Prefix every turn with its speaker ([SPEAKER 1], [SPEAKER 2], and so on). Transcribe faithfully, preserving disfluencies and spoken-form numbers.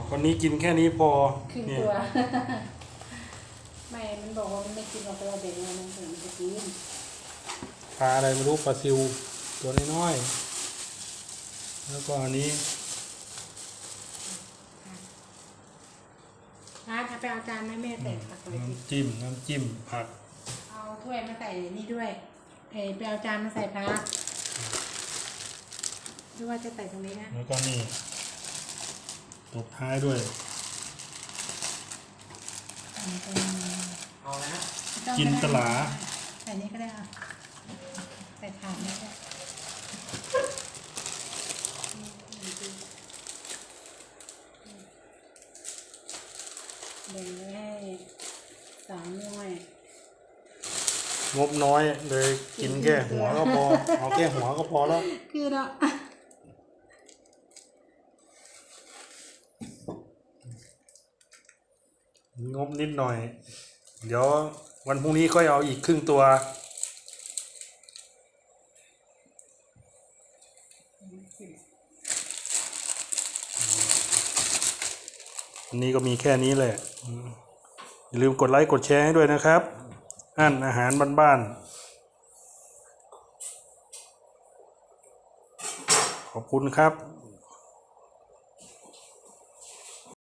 [SPEAKER 1] วันนี้กินแค่นี้พอ
[SPEAKER 2] ครึ่ง
[SPEAKER 1] เนี่ย
[SPEAKER 2] ตัว ไม่มันบอกว่ามันไม่กินหรอกเราแบ่งมันถึงจะกิน
[SPEAKER 1] ปลาอะไรไม่รู้ปลาซิวตัวน้อยๆแล้วก็อันนี้
[SPEAKER 2] อาร์ตเอาไปเอาจานไหมแม่ใส่ผักเลยดิ
[SPEAKER 1] น้ำจิ้มน้ำจิ้มผัก
[SPEAKER 2] เอาถ้วยมาใส่นี่ด้วยเออไปเอาจานมาใส่ผักหรือว่าจะใส่ตรงนี้นะ
[SPEAKER 1] แล้วก็นี่ตบท้ายด้วย
[SPEAKER 3] เอานะ
[SPEAKER 1] จินตลา
[SPEAKER 2] ใส่นี้ก็ได้อ่ะใส่ถาดนี้ก็แบ่งไว้ให้สามหน่วย
[SPEAKER 1] งบน้อยเลยกินแค่หัวก็พอ เอาแค่หัวก็พอแล้ว
[SPEAKER 2] คือเนาะ
[SPEAKER 1] งบนิดหน่อย เดี๋ยววันพรุ่งนี้ค่อยเอาอีกครึ่งตัวอันนี้ก็มีแค่นี้แหละอย่าลืมกดไลค์กดแชร์ให้ด้วยนะครับอันอาหารบ้านๆขอบคุณครับ